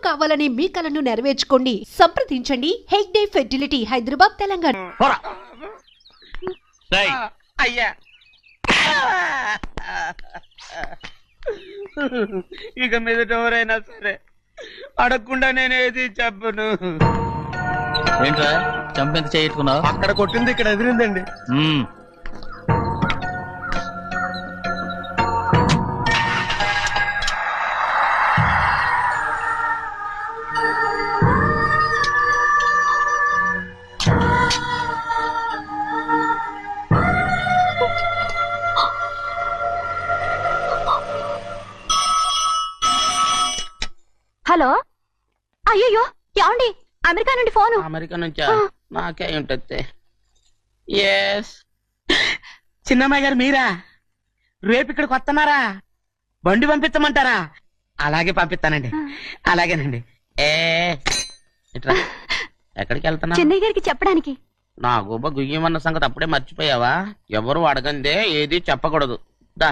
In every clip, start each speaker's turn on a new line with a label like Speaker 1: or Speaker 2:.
Speaker 1: కావాలని మీ కలను నెరవేర్చుకోండి. సంప్రదించండి హెగ్డే ఫెర్టిలిటీ, హైదరాబాద్, తెలంగాణ.
Speaker 2: అయ్యా ఇక మీదట ఎవరైనా సరే అడగకుండా నేనేది చెప్పను.
Speaker 3: ఏంట్రా చంపెంత చేయించుకున్నావు?
Speaker 4: అక్కడ కొట్టింది ఇక్కడ ఎదిరిందండి.
Speaker 5: హలో, అయ్యో ఏమండి, అమెరికా నుండి ఫోను.
Speaker 2: అమెరికా నుంచా? నాకే ఉంటుంది. ఎస్, చిన్నమ్మాయి గారు మీరా? రేపు ఇక్కడికి వస్తున్నారా? బండి పంపించమంటారా? అలాగే పంపిస్తానండి. అలాగేనండి. ఇట్రా. ఎక్కడికి వెళ్తున్నా?
Speaker 5: చెన్నై గారికి చెప్పడానికి.
Speaker 2: నా గుబ్బ గుయ్యమన్న సంగతి అప్పుడే మర్చిపోయావా? ఎవరు అడగందే ఏది చెప్పకూడదు. దా.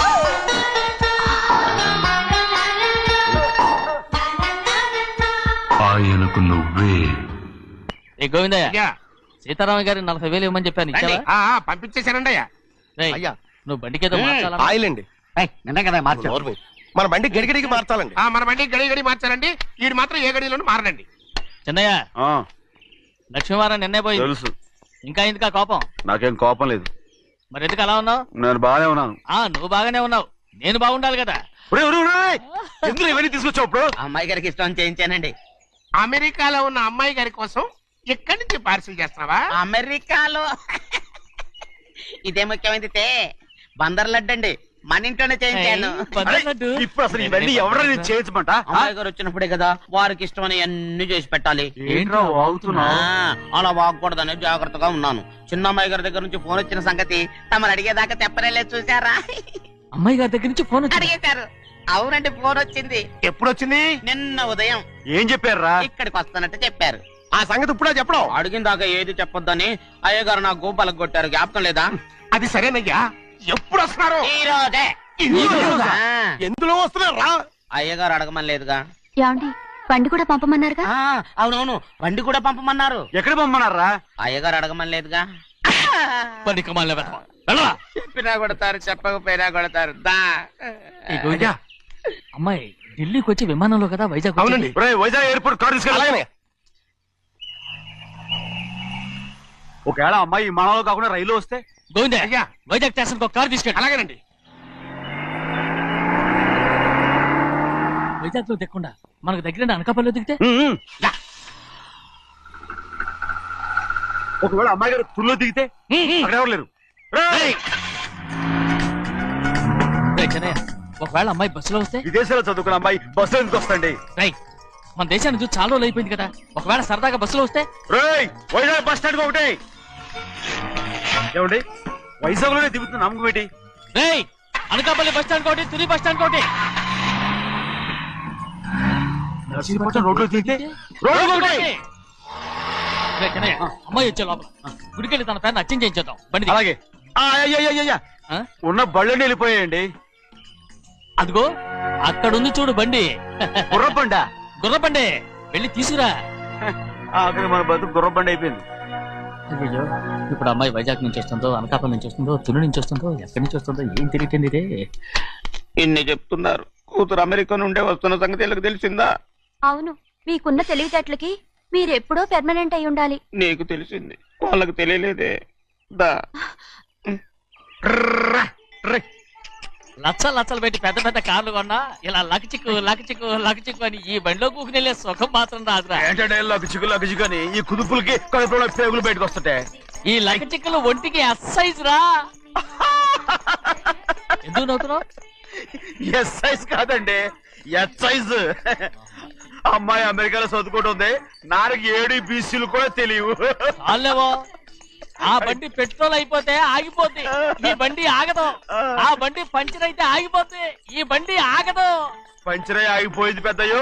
Speaker 6: ఆయనకు నువ్వే.
Speaker 3: ఏ గోవిందయ్య, సీతారామ గారి 40,000 ఇవ్వమని చెప్పాను, ఇచ్చావా?
Speaker 4: పంపించేశానండి అయ్యా.
Speaker 3: అయ్యా, నువ్వు బండికేదో మార్చాలా?
Speaker 4: ఆయిల్ అండి.
Speaker 2: నిన్న కదా మార్చారు.
Speaker 4: మన బండి గడిగడికి మార్చాలండి.
Speaker 7: మన బండి గడి మార్చాలండి. వీడు మాత్రం ఏ గడిలోనూ మారనండి.
Speaker 3: చిన్నయ్య, లక్ష్మీవారం నిన్నే పోయి
Speaker 6: తెలుసు.
Speaker 3: ఇంకా ఎందుకా కోపం?
Speaker 6: నాకేం కోపం లేదు.
Speaker 3: మరి ఎందుకు అలా ఉన్నావు?
Speaker 6: నేను బాగానే ఉన్నాను.
Speaker 3: నువ్వు బాగానే ఉన్నావు, నేను బాగుండాలి కదా.
Speaker 6: ఎందుకు ఇవన్నీ తీసుకొచ్చావు? ఇప్పుడు
Speaker 2: అమ్మాయి గారికి ఇష్టం చేయించానండి.
Speaker 7: అమెరికాలో ఉన్న అమ్మాయి గారి కోసం ఎక్కడి నుంచి పార్సిల్ చేస్తున్నావా?
Speaker 2: అమెరికాలో ఇదే ముఖ్యమైనది. బందర్ లడ్డు అండి, మన ఇంట్లోనే చేయించాను.
Speaker 6: ఇప్పుడు అసలు ఇవన్నీ ఎవరైనా చేయించమంట?
Speaker 2: అమ్మాయి గారు వచ్చినప్పుడే కదా వారికి ఇష్టమని అన్ని చేసి పెట్టాలి.
Speaker 6: ఏంట్రా వాగుతున్నా?
Speaker 2: అలా వాగకూడదని జాగ్రత్తగా ఉన్నాను. చిన్న అమ్మాయి గారి దగ్గర నుంచి ఫోన్ వచ్చిన సంగతి తమరు అడిగేదాకా తెప్పరేలేదు, చూసారా?
Speaker 3: అమ్మాయి గారి దగ్గర నుంచి ఫోన్
Speaker 2: అడిగేశారు. అవునండి, ఫోన్ వచ్చింది.
Speaker 4: ఎప్పుడు వచ్చింది?
Speaker 2: నిన్న ఉదయం.
Speaker 6: ఏం చెప్పారా?
Speaker 2: ఇక్కడికి వస్తానంటే చెప్పారు.
Speaker 4: ఆ సంగతి ఇప్పుడే చెప్పడం.
Speaker 2: అడిగిన దాకా ఏది చెప్పొద్దని అయ్యగారు నా గోపాలకు కొట్టారు. జ్ఞాపకం లేదా?
Speaker 7: అది సరేనయ్యా, ఎప్పుడు వస్తున్నారు?
Speaker 2: ఈ రోజే.
Speaker 4: ఎందులో వస్తున్నారా?
Speaker 2: అయ్యగారు అడగమని లేదుగా.
Speaker 5: ఏమండి, బండి కూడా పంపమన్నారుగా?
Speaker 2: అవునవును, బండి కూడా పంపమన్నారు.
Speaker 6: ఎక్కడ పంపమన్నారా?
Speaker 2: అయ్యగారు అడగమని లేదుగా. చెప్పినా కొడతారు, చెప్పకపోయినా కొడతారు.
Speaker 3: అమ్మాయి ఢిల్లీకి వచ్చి విమానంలో కదా వైజాగ్.
Speaker 7: అవునండి.
Speaker 6: వైజాగ్ ఎయిర్పోర్ట్ కార్ తీసుకెళ్ళి. ఒకవేళ అమ్మాయి విమానంలో కాకుండా రైలు వస్తే?
Speaker 3: గోవిందయ్య,
Speaker 7: అయ్యా,
Speaker 3: వైజాగ్ స్టేషన్ ఒక కార్ తీసుకెళ్ళి.
Speaker 7: అలాగేనండి.
Speaker 3: వైజాగ్ లో దిక్కుండా మనకు దగ్గర అనకాపల్లిలో దిగితే?
Speaker 6: ఒకవేళ అమ్మాయి గారు తుల్లో దిగితే? అక్కడ ఎవరు లేరు.
Speaker 3: చెన్నయ్య, ఒకవేళ అమ్మాయి బస్సులో వస్తే?
Speaker 6: విదేశాల్లో చదువుకున్న అమ్మాయి బస్సులో ఎందుకు వస్తండి?
Speaker 3: మన దేశాన్ని చూసి చాలా రోజులు అయిపోయింది కదా, ఒకవేళ సరదాగా బస్సులో వస్తే?
Speaker 6: వైజాగ్ బస్ స్టాండ్ ఒకటి. ఏమండి, వైజాగ్ లోనే దిగుతున్న నమ్మకం ఏంటి?
Speaker 3: అనకాపల్లి బస్ స్టాండ్ కోటి, తుని బస్ స్టాండ్ కోటి.
Speaker 6: రోడ్లో దిగితే
Speaker 3: అమ్మాయి వచ్చే లోపల గుడికెళ్ళి తన పేరుని అచ్చం చేయించేద్దాం. బండి
Speaker 6: అలాగే. ఉన్న బళ్ళని వెళ్ళిపోయాయండి.
Speaker 3: అదిగో అక్కడుంది చూడు బండి.
Speaker 6: గుర్రబండా?
Speaker 3: గుర్రబండి, వెళ్ళి తీసుకురా.
Speaker 6: అక్కడ మన బతుకు గుర్రబండి అయిపోయింది.
Speaker 3: అయ్యో, ఇప్పుడు అమ్మాయి వైజాగ్ నుంచి వస్తుందో, అనకాపల్లి నుంచి వస్తుందో, తుని నుంచి వస్తుందో, ఎక్కడి నుంచి వస్తుందో ఏం తెలియటండి ఇదే.
Speaker 2: ఇన్ని చెప్తున్నారు, కూతురు అమెరికా నుండే వస్తున్న సంగతి వీళ్ళకి తెలిసిందా?
Speaker 5: అవును, మీకున్న తెలివితేటలకి మీరెప్పుడో పెర్మనెంట్ అయి ఉండాలి.
Speaker 2: నీకు తెలిసింది, వాళ్ళకి తెలియలేదే. దా.
Speaker 3: లచ్చలు పెట్టి పెద్ద పెద్ద కార్లు కొన్నా ఇలా లకచిక్కు అని ఈ బండిలో కూకునెళ్ళే సుఖం మాత్రం రాదురా.
Speaker 6: ఏంటంటే లకచిక్కు అని ఈ కుదుపులకి కడుపులో పేగులు బయటకు వస్తుంటాయి.
Speaker 3: ఈ లకచిక్కులు ఒంటికి ఎక్సైజ్ రా. ఎందుకు నవ్వుతున్నావు?
Speaker 6: ఎక్సైజ్ కాదండి, ఎక్సైజ్. అమ్మాయి అమెరికాలో చదువుకుంటుంది, నాకు 7 BCలు కూడా తెలియవు.
Speaker 3: చాలేవో, ఆ బండి పెట్రోల్ అయిపోతే ఆగిపోద్ది, ఈ బండి ఆగదు. ఆ బండి పంచర్ అయితే ఆగిపోద్ది, ఈ బండి ఆగదు.
Speaker 6: పంచరే ఆగిపోయింది పెద్దయ్యో.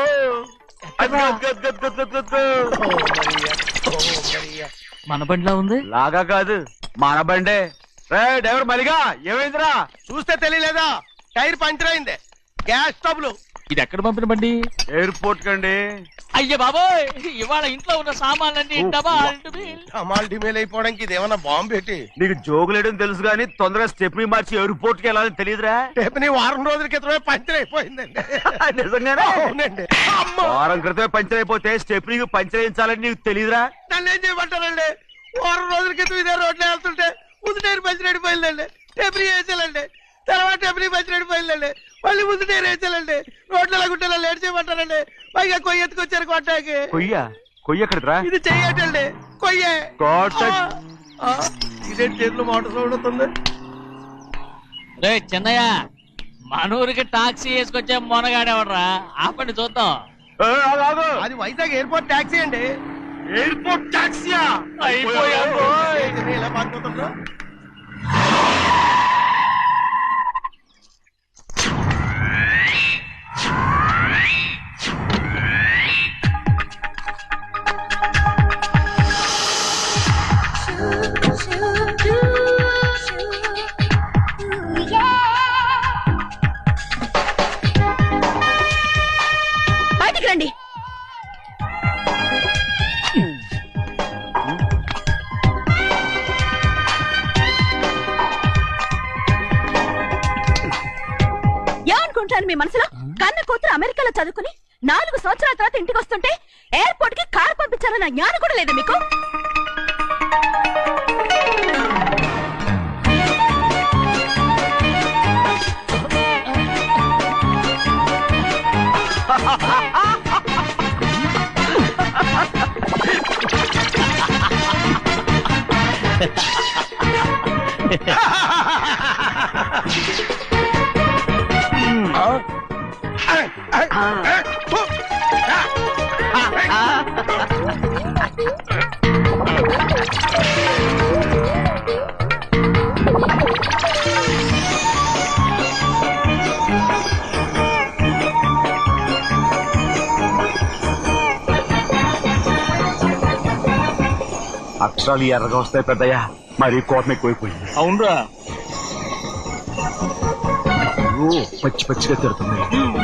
Speaker 3: మన బండిలా ఉంది.
Speaker 6: లాగా కాదు, మన బండే. డ్రైవర్ మరిగా ఏమైందిరా?
Speaker 4: చూస్తే తెలియలేదా? టైర్ పంచర్ అయింది. Gas trouble.
Speaker 3: ఇది ఎక్కడ పంపిన బండి?
Speaker 6: ఎయిర్పోర్ట్ కండి.
Speaker 3: అయ్య బాబోయ్, ఇవాళ ఇంట్లో ఉన్న సామాన్లన్నీ డబాల్
Speaker 4: అమాల్ డిమేల్ అయిపోవడానికి ఇది ఏమన్నా బాంబు పెట్టి
Speaker 6: నీకు జోగులేయడం తెలుసు కానీ తొందరగా స్టెప్ని మార్చి ఎయిర్పోర్ట్ కి వెళ్ళాలని తెలియదురా?
Speaker 4: రేపు వారం రోజుల క్రితమే పంచర్ అయిపోయిందండి.
Speaker 6: నిజంగానే?
Speaker 4: అవునండి. అమ్మో!
Speaker 6: వారం క్రితమే పంచర్ అయిపోతే స్టెప్ని పంచర్ వేయించాలని నీకు తెలియదురా?
Speaker 4: నన్ను ఏం చేయమంటారండి? వారం రోజుల క్రితం ఇదే రోడ్లో వెళ్తుంటే ముందు టైర్ పంచర్ అయిపోయిందండి. టెబ్రీ వేసాలండి, తర్వాత టెబ్రీ పంచర్ అయిపోయిందండి, మళ్ళీ ముందు టైర్ వేసాలండి. రోడ్లు ఎలా గుంటే లేట్ చేయమంటారండి? పైగా కొయ్య ఎత్తుకొచ్చారు కొట్టాకి.
Speaker 6: కొయ్య ఎక్కడిరా?
Speaker 4: ఇది చెయ్యటండి, కొయ్యే. ఇదే చేతులు మోటార్ సౌండ్ అవుతుంది.
Speaker 3: రే చిన్నయ్య, మనూరికి టాక్సీ వేసుకొచ్చే మొనగాడేవడరా? ఆపండి చూద్దాం.
Speaker 4: అది వైజాగ్ ఎయిర్పోర్ట్ టాక్సీ అండి.
Speaker 6: ఎయిర్పోర్ట్ టాక్సీయా?
Speaker 4: ఏంటి ఇలా పారిపోతుండ్రు?
Speaker 5: బయటికి రండి. ఏమనుకుంటాను మీ మనసులో? కన్న కూతురు అమెరికాలో చదువుకుని 4 సంవత్సరాల తర్వాత ఇంటికి వస్తుంటే ఎయిర్పోర్ట్ కి కార్ పంపించాలన్న జ్ఞానం కూడా లేదు మీకు?
Speaker 6: అక్షరాలు ఎర్రగా వస్తాయి పెద్దయ్యా, మరి కోపం ఎక్కువైపోయింది.
Speaker 3: అవునరా,
Speaker 6: పచ్చి పచ్చిగా తిడుతుంది.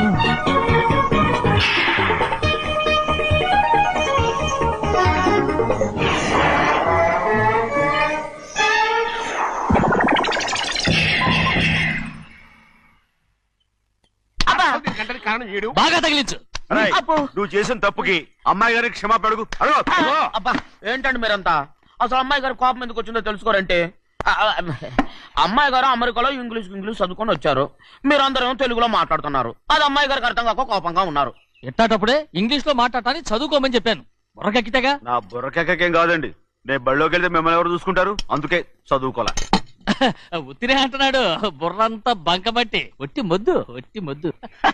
Speaker 7: గంటకి కారణం ఏడు.
Speaker 3: బాగా తగిలించు.
Speaker 6: అరేయ్, నువ్వు చేసిన తప్పుకి అమ్మాయి గారికి క్షమాపణ అడుగు.
Speaker 2: అబ్బా ఏంటండి మీరంతా? అసలు అమ్మాయి గారు కోపం ఎందుకు వచ్చిందో తెలుసుకోరంటే, అమ్మాయి గారు అమెరికాలో ఇంగ్లీష్ చదువుకొని వచ్చారు, మీరందరూ తెలుగులో మాట్లాడుతున్నారు. అది అమ్మాయి గారికి అర్థం కాక కోపంగా ఉన్నారు.
Speaker 3: ఎట్టాటప్పుడే ఇంగ్లీష్ లో మాట్లాడటానికి చదువుకోమని చెప్పాను. బుర్రకెక్కితేగా.
Speaker 6: నా బుర్రకెక్కకేం కాదండి, నేను బళ్ళోకి వెళ్తే మిమ్మల్ని ఎవరు చూసుకుంటారు? అందుకే చదువుకోలే.
Speaker 3: ఉత్తినే అంటున్నాడు, బుర్రంతా బంకమట్టి. ఒట్టి మొద్దు, ఒట్టి మొద్దు.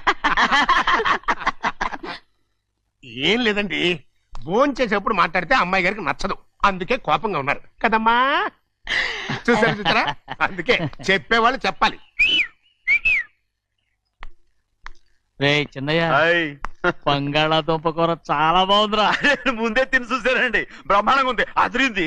Speaker 7: ఏం లేదండి, భోజనం చేసేప్పుడు మాట్లాడితే అమ్మాయి గారికి నచ్చదు, అందుకే కోపంగా ఉన్నారు కదమ్మా. చూసారా? అందుకే చెప్పేవాళ్ళు చెప్పాలి.
Speaker 3: రే చిన్నయ్య,
Speaker 6: హాయ్.
Speaker 3: బంగాళాదుంప కూర చాలా బాగుందిరా.
Speaker 6: ముందే తిని చూసానండి, బ్రహ్మాండంగా ఉంది, అదిరింది.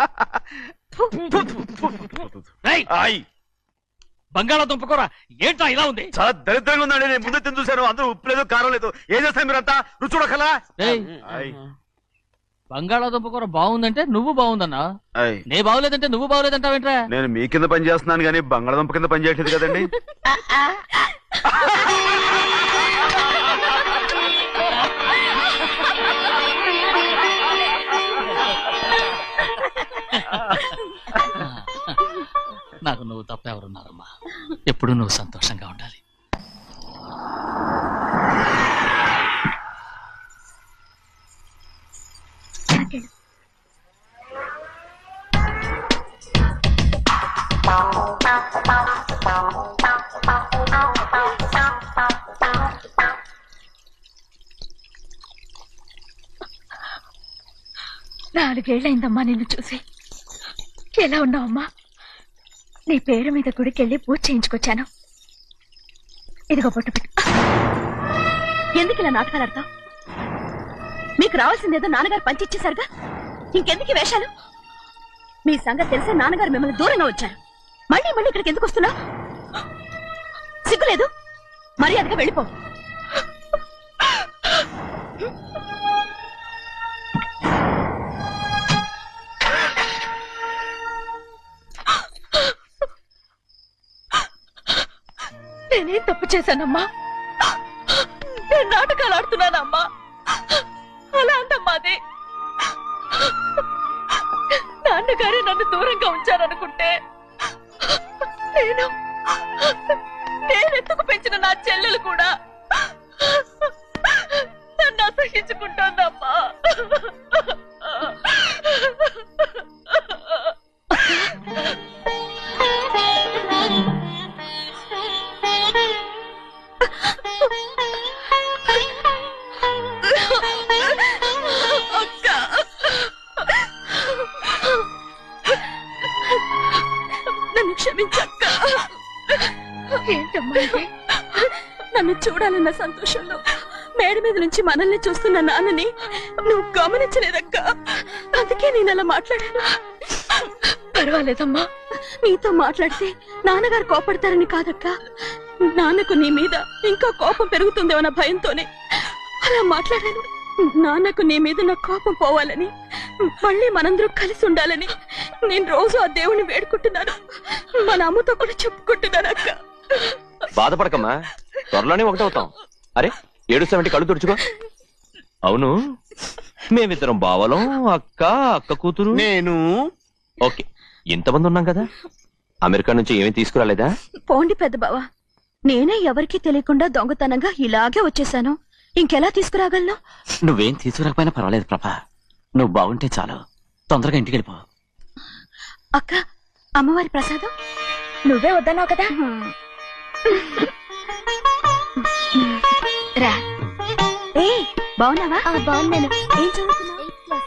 Speaker 6: హాయ్.
Speaker 3: బంగాళాదుంప కూర ఏంటా ఇలా ఉంది?
Speaker 6: చాలా దరిద్రంగా ఉందండి, నేను ముందే తిని చూశాను. అందరూ ఉప్పు లేదు, కారం లేదు. ఏం చేస్తారు మీరంతా? రుచి చూడకలా.
Speaker 3: బంగాళాదుంప కూర బాగుందంటే నువ్వు బాగుందన్నా, నే బాగులేదంటే నువ్వు బాగులేదంటావేంట్రా?
Speaker 6: నేను మీ కింద పని చేస్తున్నాను కానీ బంగాళదుంప కింద పని చేయట్లేదు కదండి.
Speaker 3: నాకు నువ్వు తప్ప ఎవరున్నారమ్మా? ఎప్పుడు నువ్వు సంతోషంగా ఉండాలి.
Speaker 5: నాలుగేళ్లైందమ్మా నిన్ను చూసి. ఎలా ఉన్నావమ్మా? నీ పేరు మీద గుడికెళ్ళి పూజ చేయించుకొచ్చాను. ఇదిగో బొట్టు పెట్టు. ఎందుకు ఇలా నాటకాలు ఆడతావు? మీకు రావాల్సిందేదో నాన్నగారు పంచిచ్చేశారుగా, ఇంకెందుకు ఈ వేషాలు? మీ సంగతి తెలిసే నాన్నగారు మిమ్మల్ని దూరంగా వచ్చారు. మళ్ళీ మళ్ళీ ఇక్కడికి ఎందుకు వస్తున్నావు? సిగ్గులేదు? మర్యాదగా వెళ్ళిపో. నేనేం తప్పు చేశానమ్మా? నేను నాటకాలు ఆడుతున్నానమ్మా. అలా అందమ్మా అది. నాన్నగారే నన్ను దూరంగా ఉంచారనుకుంటే నేనెత్తుకు పెంచిన నా చెల్లెలు కూడా నన్ను అసహించుకుంటోందమ్మా. నన్ను క్షమించక్క. ఏంటమ్మా ఇది? నన్ను చూడాలన్న సంతోషంలో మేడ మీద నుంచి మనల్ని చూస్తున్న నాన్నని నువ్వు గమనించలేదక్క. అందుకే నేను అలా మాట్లాడాను. పర్వాలేదమ్మా. నీతో మాట్లాడితే నాన్నగారు కోపడతారని కాదక్క. నాన్నకు నీ మీద ఇంకా కోపం పెరుగుతుందేమన్న భయంతోనే అలా మాట్లాడాను. నాన్నకు నీ మీద నా కోపం పోవాలని, మళ్ళీ మనందరూ కలిసి ఉండాలని నేను రోజు ఆ దేవుణ్ణి వేడుకుంటున్నాను. మన అమ్మతో కూడా చెప్పుకుంటున్నాను అక్క.
Speaker 8: బాధపడకమ్మా, త్వరలోనే ఒకటవుతాం. అరే 7-7 కళ్ళు తుడుచుకో. అవును, మేమిద్దరం బావలం, అక్క కూతురు,
Speaker 4: నేను.
Speaker 8: ఓకే, ఇంతమంది ఉన్నాం కదా. అమెరికా నుంచి ఏమీ తీసుకురాలేదా?
Speaker 5: పోండి పెద్ద బావ, నేనే ఎవరికీ తెలియకుండా దొంగతనంగా ఇలాగే వచ్చేసాను. ఇంకెలా తీసుకురాగలను?
Speaker 3: నువ్వేం తీసుకురాకపోయినా పర్వాలేదు ప్రభా. నువ్వు బాగుంటే చాలు. తొందరగా ఇంటికి వెళ్ళిపో.
Speaker 5: అక్క, అమ్మవారి ప్రసాదం నువ్వే వద్దన్నావు కదా. రా. ఏ బాగున్నావా? బాగున్నాను. ఏం చదువుతున్నావు?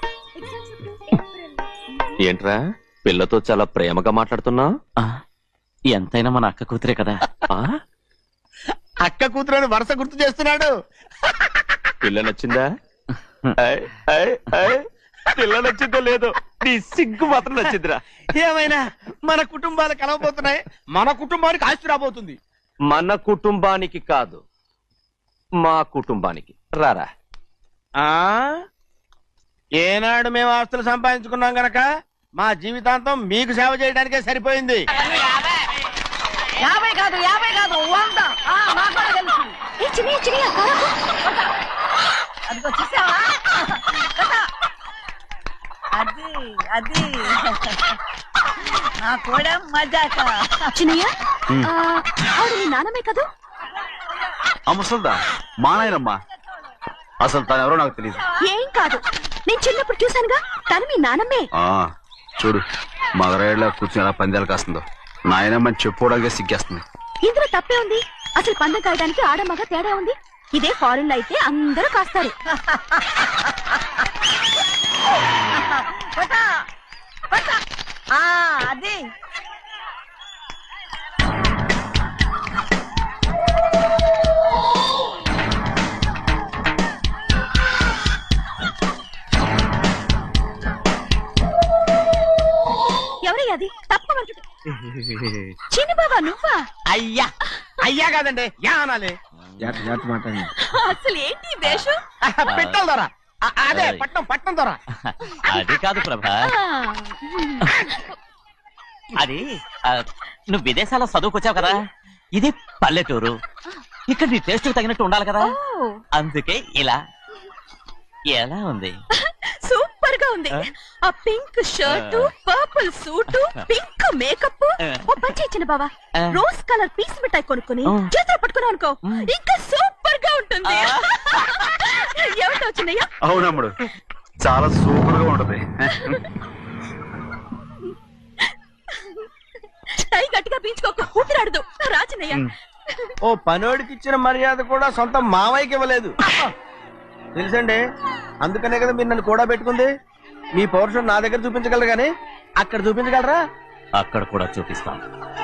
Speaker 8: ఏంట్రా పిల్లతో చాలా ప్రేమగా మాట్లాడుతున్నావు?
Speaker 3: ఎంతైనా మన అక్క కూతురే కదా.
Speaker 4: అక్క కూతురని వరుస గుర్తు చేస్తున్నాడు.
Speaker 8: పిల్ల నచ్చిందా? పిల్ల నచ్చిందో లేదో, నీ సిగ్గు మాత్రం నచ్చిందిరా.
Speaker 4: ఏమైనా మన కుటుంబాలు కలవబోతున్నాయి. మన కుటుంబానికి ఆస్తి రాబోతుంది.
Speaker 8: మన కుటుంబానికి కాదు, మా కుటుంబానికి. రారా.
Speaker 4: ఏనాడు మేము ఆస్తులు సంపాదించుకున్నాం గనక మా జీవితాంతం మీకు సేవ చేయడానికే సరిపోయింది.
Speaker 9: 50 కాదు 100. అదిగో చూసావా? అది నా కూడా మజాక.
Speaker 5: చిన్నయ్య, ఆవిడ నీ నాన్నమే కదా?
Speaker 6: ముసల్దా మా నాయనమ్మా. అసలు తను ఎవరో నాకు తెలియదు.
Speaker 5: ఏం కాదు, నేను చిన్నప్పుడు చూశానుగా. తను మీ నాన్నమ్మే.
Speaker 6: చూడు మగరాయిలా కూర్చుని ఎలా పందాలు కాస్తుందో. నాయనమ్మని చెప్పుకోవడానికి సిగ్గేస్తుంది.
Speaker 5: ఇందులో తప్పే ఉంది? అసలు పందెం కాయడానికి ఆడమగ తేడా ఉంది. ఇదే ఫారెన్ లో అయితే అందరూ కాస్తారు.
Speaker 9: అది
Speaker 5: ఎవరయ్యా అది? తప్పమంటుంది. చిన్న బాబా నువ్వా?
Speaker 4: అయ్యా కాదండి, యా అనాలి.
Speaker 5: అసలు ఏంటి వేషం?
Speaker 4: పెట్టాలి దొర. అదే పట్నం దొర.
Speaker 3: అది కాదు ప్రభా. అది నువ్వు విదేశాల్లో చదువుకొచ్చావు కదా. ఇది పల్లెటూరు. ఇక్కడ నీ టేస్ట్ తగినట్టు ఉండాలి కదా. అందుకే ఇలా. ఎలా ఉంది?
Speaker 5: సూపర్ గా ఉంది. ఆ pink shirt, purple suit, pink makeup. ఓ పని ఇచ్చిన బావా, రోజ్ కలర్ పీస్ మిఠాయి కొనుక్కుని చేతిలో పట్టుకున్నావు అనుకో, ఇంకా సూపర్ గా ఉంటుంది. ఏమిటో వచ్చినాయా?
Speaker 6: అవునమ్ముడు, చాలా సూపర్ గా ఉంటది.
Speaker 5: టై గట్టిగా పీంచుకోక ఊపిరాడదు రాజనయ్య.
Speaker 4: ఓ పనోడికి ఇచ్చిన మర్యాద కూడా సొంత మావయ్యకి ఇవ్వలేదు తెలుసండి. అందుకనే కదా మీరు నన్ను కూడా పెట్టుకుంది. మీ పౌరుషం నా దగ్గర చూపించగలరు గానీ అక్కడ చూపించగలరా?
Speaker 3: అక్కడ కూడా చూపిస్తాను.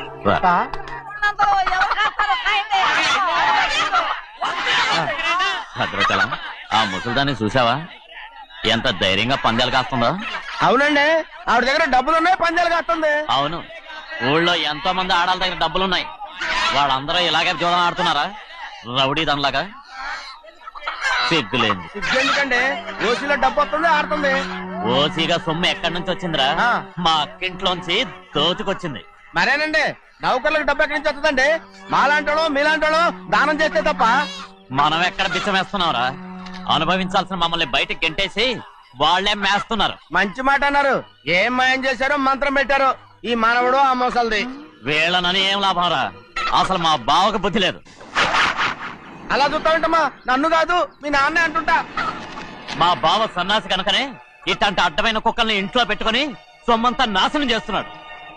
Speaker 3: భద్రచలం, ఆ ముసల్దాన్ని చూసావా? ఎంత ధైర్యంగా పందాలు కాస్తుందో.
Speaker 4: అవునండి, ఆవిడ దగ్గర డబ్బులు ఉన్నాయి, పందాలు కాస్తుంది.
Speaker 3: అవును, ఊళ్ళో ఎంతో మంది ఆడాళ్ళ దగ్గర డబ్బులున్నాయి. వాళ్ళందరూ ఇలాగే జోదం ఆడుతున్నారా రౌడీ దానిలాగా? సిగ్గులేంది.
Speaker 2: ఎందుకండి ఓసీలో డబ్బు వస్తుంది ఆడుతుంది.
Speaker 3: ఓసీగా సొమ్ము ఎక్కడి నుంచి వచ్చిందిరా?
Speaker 2: ఆ.
Speaker 3: మా అక్కింట్లోంచి దోచుకొచ్చింది.
Speaker 2: మరేనండి నౌకర్లకు డబ్బు ఎక్కడి నుంచి వస్తుందండి? మాలాంటోళ్ళు మీలాంటోళ్ళు దానం చేస్తే తప్ప.
Speaker 3: మనం ఎక్కడ బిచ్చమేస్తున్నావురా? అనుభవించాల్సిన మమ్మల్ని బయటికి గెంటేసి వాళ్లే మేస్తున్నారు.
Speaker 2: మంచి మాట అన్నారు. ఏం మాయం చేశారో మంత్రం పెట్టారో ఈ మానవుడు ఆ మోసల్ది.
Speaker 3: వీళ్ళనని ఏం లాభంరా? అసలు మా బావకు బుద్ధి లేదు.
Speaker 2: అలా చూస్తా ఉంటామా? నన్ను కాదు మీ నాన్నే అంటుంటా.
Speaker 3: మా బావ సన్నాసి కనుకనే ఇట్లాంటి అడ్డమైన కుక్కల్ని ఇంట్లో పెట్టుకుని సొమ్మంతా నాశనం చేస్తున్నాడు.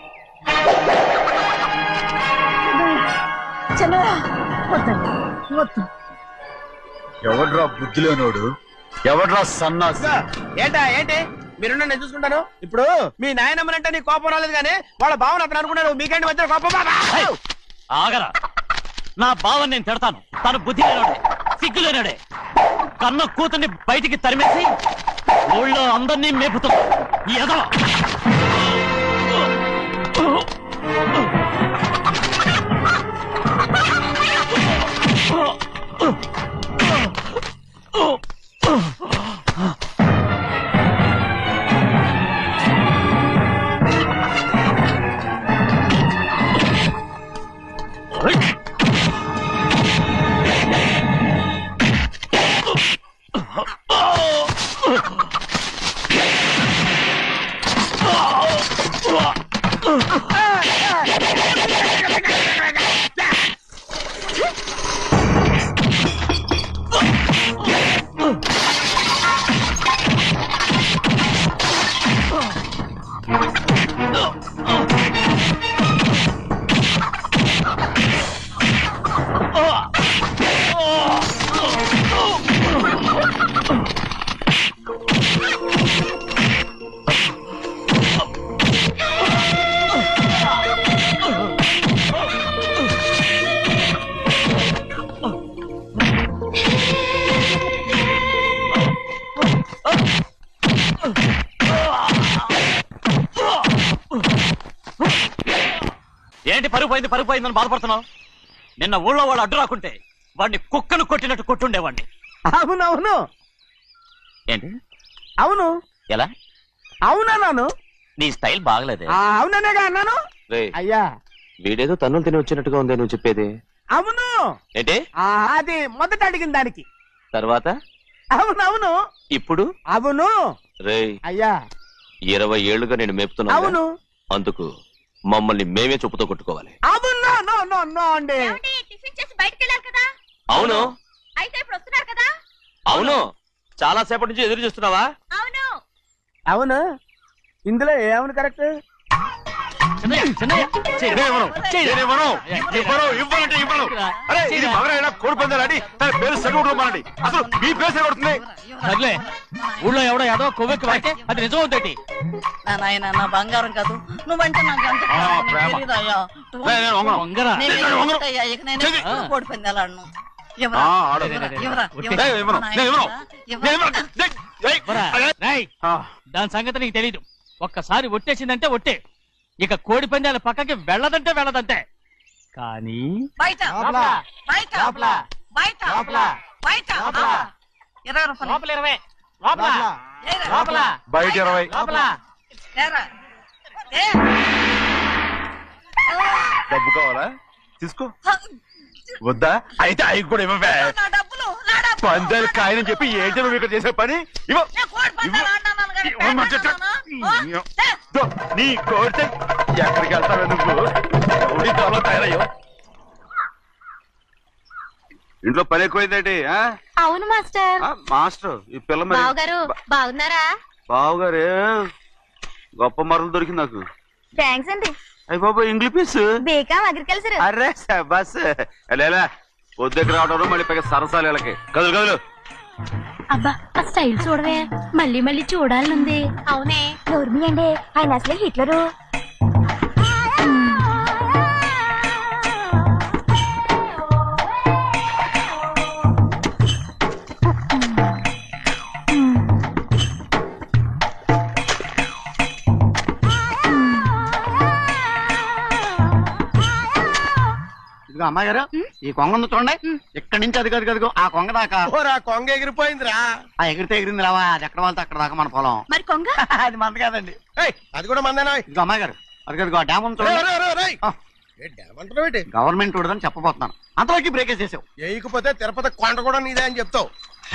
Speaker 6: ఎవడ్రా బుద్ధిలోనోడు? ఎవడ్రా సన్నాసి?
Speaker 2: ఏంటా ఏంటి మీరు నేను చూసుకుంటాను. ఇప్పుడు మీ నాయనమ్మనంటే నీ కోపం రాలేదు కానీ వాళ్ళ భావన అతను అనుకున్నాడు. మీకేంటి మధ్య కోపం?
Speaker 3: ఆగరా, నా బావని నేను తిడతాను. తను బుద్ధి లేనాడే, సిగ్గు లేనాడే. కన్న కూతుర్ని బయటికి తరిమేసి ఊళ్ళో అందరినీ మేపుతుంది. ఏదో ఏంటి పరుగు పోయిందని బాధపడుతున్నావు? నిన్న ఊళ్ళో వాడు అడ్డు రాకుంటే వాడిని కుక్కను కొట్టినట్టు కొట్టుండేవాడిని.
Speaker 2: అవునవును.
Speaker 3: ఏంటి?
Speaker 2: అవును.
Speaker 3: ఎలా?
Speaker 2: అవునన్నాను.
Speaker 3: నీ స్టైల్ బాగలేదే.
Speaker 2: అవుననేగా అన్నాను. అయ్యా
Speaker 8: వీడేదో తన్నులు తిని వచ్చినట్టుగా ఉంది నువ్వు చెప్పేది.
Speaker 2: అవును.
Speaker 8: ఏంటి?
Speaker 2: అది మొదట అడిగిన దానికి
Speaker 8: తర్వాత
Speaker 2: అవునవును.
Speaker 8: ఇప్పుడు
Speaker 2: అవును.
Speaker 8: రేయ్,
Speaker 2: అయ్యా
Speaker 8: 20 ఏళ్లుగా నేను మేపుతున్నా.
Speaker 2: అవును.
Speaker 8: అందుకు మమ్మల్ని మేమే చెప్పుతో కొట్టుకోవాలి.
Speaker 2: అవును. నో నో నో అండి.
Speaker 5: టిఫిన్ చేసి బయటకు వెళ్ళారు కదా?
Speaker 8: అవును.
Speaker 5: అయితే ఇప్పుడు వస్తున్నారు కదా?
Speaker 8: అవును. చాలా సేపటి నుంచి ఎదురు చూస్తున్నావా?
Speaker 5: అవును.
Speaker 2: అవును. ఇందులో ఏమని కరెక్ట్?
Speaker 3: సర్లే, ఊళ్ళో ఎవడో ఏదో కొవ్వెక్కి వాడితే అది నిజం అవుతాయి.
Speaker 9: నాయన నా బంగారం కాదు నువ్వంటే నాకు అంత తెలీదయ్యా. ఇక నేను కోడి పందాలాడను.
Speaker 3: దాని సంగతి నీకు తెలీదు. ఒక్కసారి ఒట్టేసిందంటే ఒట్టే. ఇక కోడి పందాల పక్కకి వెళ్ళదంటే వెళ్ళదంటే. కానీ
Speaker 9: బయట బయట బయట బయట 20 రూపాయలు.
Speaker 3: లోపల 20, లోపల లోపల
Speaker 6: బయట 20.
Speaker 3: లోపల.
Speaker 9: ఏరా.
Speaker 6: డబ్బు కావాలా? తీసుకో. వద్దా? అయితే అవి కూడా ఇవ్వవే.
Speaker 9: నా డబ్బులు
Speaker 6: పందాలు కాయని చెప్పి ఏంటి నువ్వు ఇక్కడ చేసే పని? ఇవ్వ. నీ కోరితే ఎక్కడికి వెళ్తావే నువ్వు? తయారయ్యో. ఇంట్లో పని ఎక్కువైందేంటి?
Speaker 5: అవును మాస్టర్.
Speaker 6: మాస్టర్ ఈ పిల్ల మరి
Speaker 5: బావగారు బాగున్నారా?
Speaker 6: బావుగారే గొప్ప మరలు దొరికింది నాకు.
Speaker 5: థ్యాంక్స్ అండి.
Speaker 6: అయ్యి బాబు ఇంగ్లీష్ పీస్.
Speaker 5: B Com agriculture.
Speaker 6: అరే బస్ లేలా పొద్దుకి రావడం మళ్ళీ పైగా సరసాలు వీళ్ళకి. కదులు కదులు.
Speaker 5: అబ్బా ఆ స్టైల్ చూడవే, మళ్ళీ మళ్ళీ చూడాలనుంది. అవునే. నోర్మి అండి, ఆయన అసలే హిట్లరు.
Speaker 4: ఇదిగో అమ్మాయి గారు ఈ కొంగ ఉంది చూడండి ఇక్కడి నుంచి అది కదిగో ఆ కొంగ దాకా
Speaker 7: ఓరా కొంగ ఎగిరిపోయిందిరా.
Speaker 4: ఆ ఎగిరితే ఎగిరింది రావా అది ఎక్కడ వాళ్ళతో అక్కడ దాకా మన పొలం.
Speaker 5: మరి కొంగ
Speaker 4: అది మంద కాదండి.
Speaker 7: ఏయ్, అది కూడా మందేనా?
Speaker 4: ఇదిగో అమ్మాయి గారు అది కదిగో డ్యామ్ ఉంది చూడండి. గవర్నమెంట్ ఉండదని చెప్పబోతున్నాను అంతలోకి బ్రేక్ చేసావు.
Speaker 7: వేయకపోతే తిరుపతి కొండ కూడా నీదే అని చెప్తావు.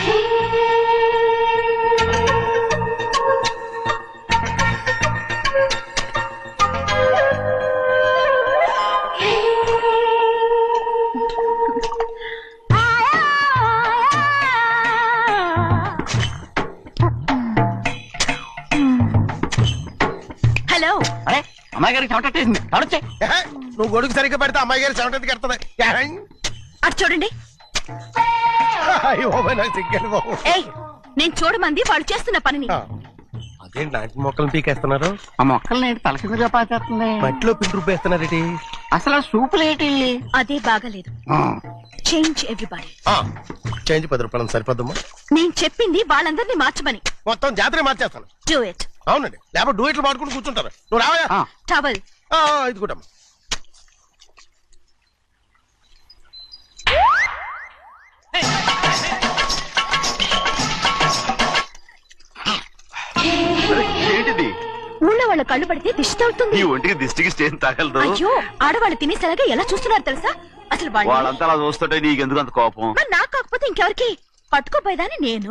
Speaker 5: హలో.
Speaker 4: అరే అమ్మాయి గారికి చెమటేసింది తడొచ్చే.
Speaker 7: ఏహే, నువ్వు గొడుగు సరిగ్గా పెడితే అమ్మాయి గారి చెమటకి కడుతుంది.
Speaker 5: అటు చూడండి.
Speaker 7: నాకు సిగ్గాను బాబు.
Speaker 5: ఏయ్, నేను చూడమంది వాళ్ళు చేస్తున్న పనిని.
Speaker 7: అదేంటి నాటి మొక్కలు పీకేస్తున్నారు?
Speaker 4: ఆ మొక్కల్ని తలకిందుగా పాచేస్తుంది.
Speaker 7: మట్టిలో పిండి రూపేస్తున్నారేటి?
Speaker 4: అసలు సూపులేటి
Speaker 5: అదే బాగలేదు. Change everybody.
Speaker 7: చేంజ్ 10 రూపాయలు సరిపోద్దమ్మా.
Speaker 5: నేను చెప్పింది వాళ్ళందరినీ మార్చమని.
Speaker 7: మొత్తం జాతర మార్చేస్తాను.
Speaker 5: Do it.
Speaker 7: అవునండి, లేకపోతే డూయిట్లు మాడుకుంటూ కూర్చుంటారు. నువ్వు రావా?
Speaker 5: టవల్.
Speaker 7: ఇది కూడా
Speaker 6: ఏంటిది?
Speaker 5: ఊళ్ళో వాళ్ళ కళ్ళు పడితే దిష్టి తగులుతుంది.
Speaker 6: ఈ ఒంటికి దిష్టికి స్టేన్ తగలదు.
Speaker 5: అయ్యో, ఆడవాళ్ళు తినేసరిగా ఎలా చూస్తున్నారు తెలుసా? అసలు
Speaker 6: వాళ్ళంతా అలా చూస్తుంటే నీకెందుకు అంత కోపం?
Speaker 5: మరి నాకు కాకపోతే ఇంకెవరికి? పట్టుకోపోయేదాన్ని నేను.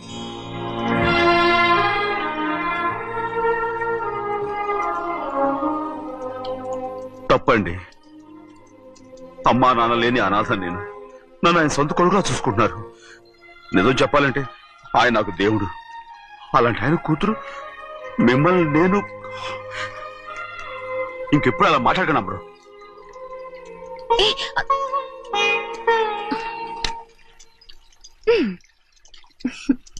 Speaker 6: తప్పండి. అమ్మా నాన్న లేని అనాథ నేను. నన్ను ఆయన సొంత కొడుకులా చూసుకుంటున్నారు. నిజం చెప్పాలంటే ఆయన నాకు దేవుడు. అలాంటి ఆయన కూతురు మిమ్మల్ని నేను ఇంకెప్పుడు అలా మాట్లాడగలను బ్రో.